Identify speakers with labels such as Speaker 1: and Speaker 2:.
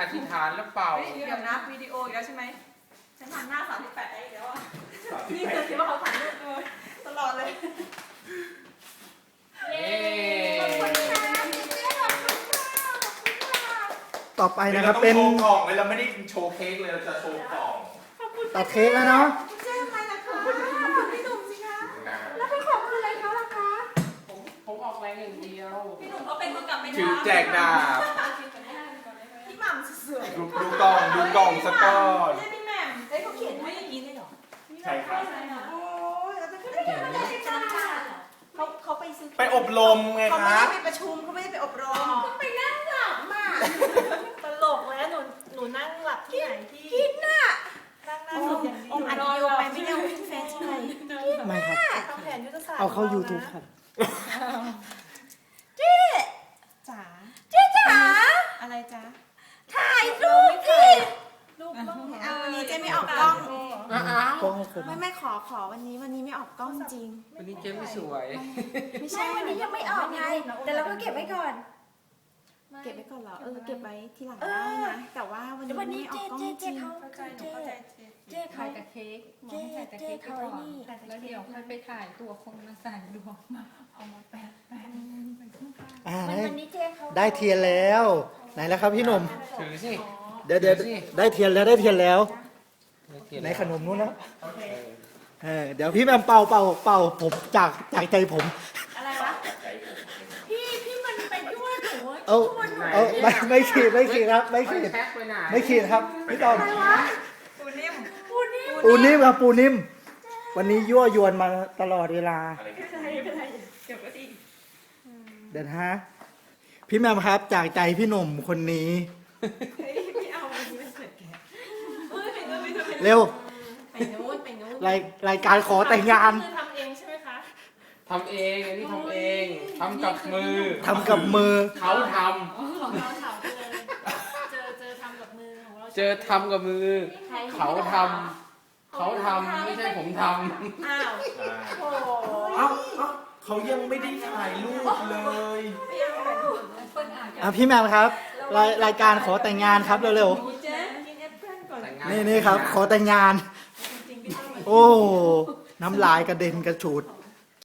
Speaker 1: ธิษฐานแล้วเป่า
Speaker 2: เดี๋ยวนะวิดีโออีกแล้วใช่ไหมฉันทำหน้า38ได้อีกแล้วอ่ะนี่คือคิดว่าเขาถ่ายรูปตลอดเลย
Speaker 1: เย้
Speaker 2: ขอบคุณค่ะ
Speaker 3: ต่อไปนะครับเป็น
Speaker 4: โชว์กล่องเลยเราไม่ได้โชว์เค้กเลยเราจะโชว์กล่อง
Speaker 3: ตัดเค้กแล้วเนาะ
Speaker 2: เจ๊อะไรล่ะคะพี่หนุ่มสิคะ
Speaker 4: นะ
Speaker 2: แล้วเป็นของอะไรเขาล่ะคะ
Speaker 1: ผมออกแรงอย่างเดียว
Speaker 2: พี่หนุ่มเขาเป็นคนกลับไป
Speaker 4: ถือแจกดาบ
Speaker 2: พี่หม่ำสวย
Speaker 4: ดูกล่องสักก้อน
Speaker 2: เจ๊พี่แหม่มเจ๊เขาเขียนให้อย่างนี้เลยเหรอ
Speaker 4: ใช่ครับ
Speaker 2: โอ้ยเราจะขึ้นไปเขียนอะไรจ้าเขาไปซื้อ
Speaker 4: ไปอบรมไง
Speaker 2: เขา
Speaker 4: ค
Speaker 2: ไม่
Speaker 4: รั
Speaker 2: ได้
Speaker 4: บ
Speaker 2: ไปประชุมเขาไม่ได้ไปอบรมไปนั่งหลับมาตลกแล้วหนูนั่งหลับที่ไหนที่กินน่ะนั่งหน้าสุดอย่างนี้อัดวิดีโอไปไม่ได้วิ่งแฟนใช่ไหม
Speaker 3: ไม่ครับ
Speaker 2: ทำแผนยุทธศาสตร์
Speaker 3: เอาเข้า YouTube ครับ
Speaker 2: จ๋าเจ๊จ๋าอะไรจ๊ะถ่ายรูปพี่รูปต้องเอาวันนี้เจ๊ไม่ออกกล้อง
Speaker 1: อ้าว
Speaker 3: กล้องให้ผม
Speaker 2: ไม่ขอวันนี้ไม่ออกกล้องจริง
Speaker 1: วันนี้เจ๊ไม่สวย
Speaker 2: ไม่ใช่วันนี้ยังไม่ออกไงแต่เราก็เก็บไว้ก่อน เก็บไว้ก่อนเหรอเก็บไว้ทีหลังได้นะแต่ว่าวันนี้ไม่ออกกล้องจริง
Speaker 5: เจ๊ถ่ายแต่เค้กหมอให้ถ่ายแต่เค้กไปก่อนแล้วเดี๋ยวค่อยไปถ่ายตัวคนมาใส่ดวงมาเอามาแปะไปข้าง
Speaker 3: อ่า
Speaker 5: วันนี้เจ๊เขา
Speaker 3: ได้เทียนแล้ว ไหนแล้วครับพี่หนุ่ม
Speaker 1: ถือสิ
Speaker 3: เดี๋ยวได้เทียนแล้วในขนมนู้นแล้วเดี๋ยวพี่แมมเป่าผมจากใจผม
Speaker 2: อะไรวะพี่มันไปยั่วหนู
Speaker 3: เอาไม่ขีดครับไม่ขีด
Speaker 1: แพ็คไปไหน
Speaker 3: ไม่ขีดครับพี่ตอม
Speaker 2: ปูนิ่ม
Speaker 3: ปูนิ่มครับปูนิ่ม วันนี้ยั่วยวนมาตลอดเวลา
Speaker 4: อะไรกัน
Speaker 2: เก็บไว้ดี
Speaker 3: เดี๋ยวนะฮะพี่แมมครับจากใจพี่หนุ่มคนนี้
Speaker 2: พี่เอาอันนี้เป็นเศษแกะไป
Speaker 3: เร็ว
Speaker 2: นู้น
Speaker 3: รายการขอแต่งงาน
Speaker 2: คือทำเองใช่ไหมคะ
Speaker 1: ทำเองอันนี้ทำเองทำกับมือ
Speaker 3: ทำกับมือ
Speaker 1: เขาท
Speaker 2: ของเราถามเจอทำกับมือของเรา
Speaker 1: ำเจอทำกับมือ เขาทำไม่ใช่ผมท
Speaker 2: อ้าว
Speaker 4: โอ้เขายังไม่ได้ถ่ายรูปเลย
Speaker 2: ไม่เอาไปดู
Speaker 3: พี่แมมครับรายการขอแต่งงานครับเร็ว
Speaker 2: เจ๊กินแอปเปิ้ลก่อน
Speaker 1: ำแต่งงาน
Speaker 3: ๆนี่ครับ ขอแต่งงาน
Speaker 2: จริงๆพี่ต้อง
Speaker 3: โอ้น้ำลายกระเด็นกระฉูด
Speaker 2: เ